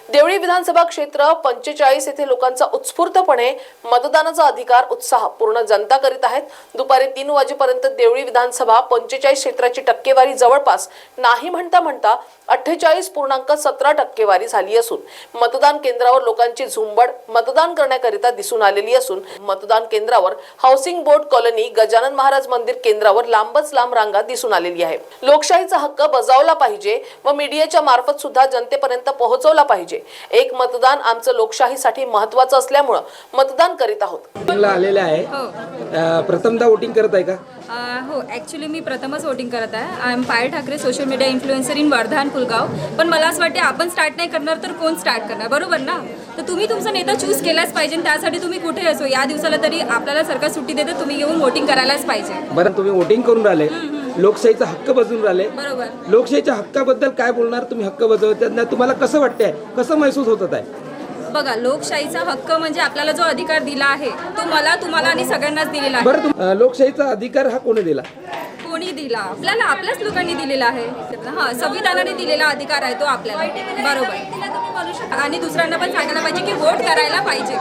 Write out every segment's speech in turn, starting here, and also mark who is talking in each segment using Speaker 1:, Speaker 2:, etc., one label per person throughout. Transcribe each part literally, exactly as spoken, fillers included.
Speaker 1: देवळी विधानसभा क्षेत्र पंचेचाळीस येथे लोकांचा उत्स्फूर्तपणे मतदानाचा अधिकार उत्साह पूर्ण जनता करीत आहेत। दुपारी तीन वाजेपर्यंत देवळी विधानसभा पंचेचाळीस क्षेत्राची टक्केवारी जवळपास नाही म्हणता म्हणता अठ्ठेचाळीस पूर्णांक सतरा टक्केवारी झाली असून मतदान केंद्रावर लोकांची झुंबड मतदान करण्याकरिता दिसून आलेली असून मतदान केंद्रावर housing board colony Gajanan Maharaj मंदिर केंद्रावर लांबच लांब रांगा दिसून आलेली आहे। लोकशाहीचा हक्क बजावला पाहिजे व मीडियाच्या मार्फत सुद्धा जनतेपर्यंत पोहोचवला पाहिजे। एक मतदान आमचं लोकशाहीसाठी महत्त्वाचं असल्यामुळे मतदान करीत आहोत।
Speaker 2: आलेले आहे प्रथमदा वोटिंग करत आहे का?
Speaker 3: हो, ॲक्च्युली मी प्रथमच वोटिंग करत आहे। I am Payal Thackeray, social media influencer in Wardha आणि पुलगाव। पण मला असं वाटते आपण स्टार्ट नाही करणार तर कोण स्टार्ट करणार, बरोबर ना? तर तुम्ही तुमचा नेता चूज केलाच पाहिजे। त्यासाठी तुम्ही कुठे असो या दिवसाला तरी आपल्याला सरकार सुट्टी देते, तुम्ही येऊन वोटिंग करायलाच पाहिजे।
Speaker 2: बरं, तुम्ही वोटिंग करून राहिले, लोकशाहीचा हक्क बजावून राहिले,
Speaker 3: बरोबर।
Speaker 2: लोकशाहीच्या हक्काबद्दल काय बोलणार तुम्ही? हक्क बजावताना तुम्हाला कसं वाटतंय, कसं महसूस होत आहे?
Speaker 3: बघा, लोकशाहीचा हक्क म्हणजे आपल्याला जो अधिकार दिला आहे तो मला, तुम्हाला आणि सगळ्यांनाच दिलेला आहे।
Speaker 2: बरं, लोकशाहीचा अधिकार हा कोणी दिला?
Speaker 3: कोणी दिला? आपल्याला, आपल्याच लोकांनी दिलेला आहे। हा, संविधानाने दिलेला अधिकार आहे तो आपल्याला, बरोबर। आणि दुसऱ्यांना पण सांगायला पाहिजे की वोट करायला पाहिजे।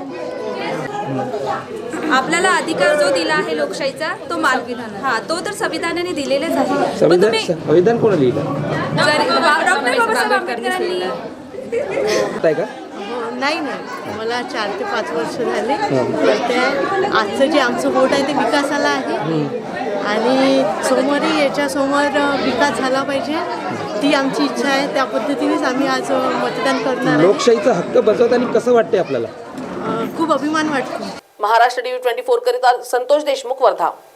Speaker 3: आपल्याला अधिकार जो दिला आहे लोकशाहीचा तो मार्गविधान, हा तो तर संविधानाने दिलेलाच आहे।
Speaker 2: संविधान संविधान कोणी लिहिलं?
Speaker 3: डॉक्टर बाबासाहेब आंबेडकरांनी
Speaker 2: आहे का?
Speaker 4: नाही नाही, मला चार ते पाच वर्ष झाले। तर त्या आजचं जे आमचं वोट आहे ते विकासाला आहे आणि सोमवारी याच्यासमोर विकास झाला पाहिजे, ती आमची इच्छा आहे। त्या पद्धतीनेच आम्ही आज मतदान करणार।
Speaker 2: लोकशाहीचा हक्क बजावताना कसं वाटते आपल्याला?
Speaker 4: खूप अभिमान वाटतो।
Speaker 1: महाराष्ट्र टीव्ही ट्वेंटी फोर करिता संतोष देशमुख, वर्धा।